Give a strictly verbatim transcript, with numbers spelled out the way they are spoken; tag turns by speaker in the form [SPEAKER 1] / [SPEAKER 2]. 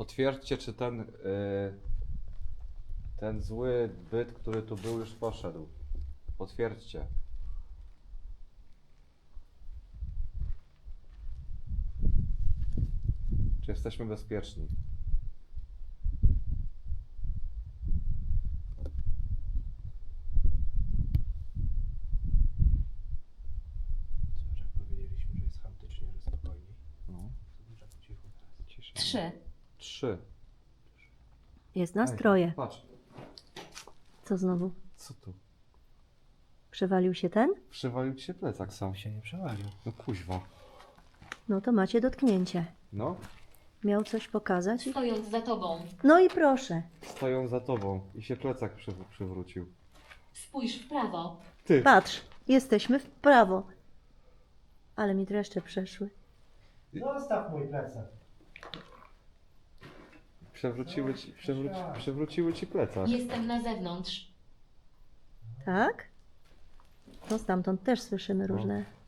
[SPEAKER 1] Potwierdźcie, czy ten, y, ten zły byt, który tu był, już poszedł. Potwierdźcie. Czy jesteśmy bezpieczni?
[SPEAKER 2] Zobacz, jak powiedzieliśmy, że jest chaotycznie, że spokojniej.
[SPEAKER 1] No.
[SPEAKER 2] Zobacz, jak cicho teraz.
[SPEAKER 1] Cisza.
[SPEAKER 3] Trzy.
[SPEAKER 1] Trzy.
[SPEAKER 4] Jest
[SPEAKER 1] Ej,
[SPEAKER 4] nastroje.
[SPEAKER 1] patrz,
[SPEAKER 4] Co znowu?
[SPEAKER 1] co tu?
[SPEAKER 4] Przewalił się ten?
[SPEAKER 1] Przywalił ci się plecak sam.
[SPEAKER 2] się nie przewalił.
[SPEAKER 1] No kuźwa.
[SPEAKER 4] No to macie dotknięcie.
[SPEAKER 1] No,
[SPEAKER 4] Miał coś pokazać? i-
[SPEAKER 3] Stojąc za tobą.
[SPEAKER 4] No i proszę.
[SPEAKER 1] stoją za tobą i się plecak przy, przywrócił.
[SPEAKER 3] Spójrz w prawo.
[SPEAKER 1] Ty!
[SPEAKER 4] Patrz, jesteśmy w prawo. Ale mi dreszcze przeszły.
[SPEAKER 2] Zostaw mój plecak.
[SPEAKER 1] Przewróciły ci, przewróci, przewróciły ci plecak.
[SPEAKER 3] Jestem na zewnątrz.
[SPEAKER 4] Tak? No stamtąd też słyszymy
[SPEAKER 1] No.
[SPEAKER 4] różne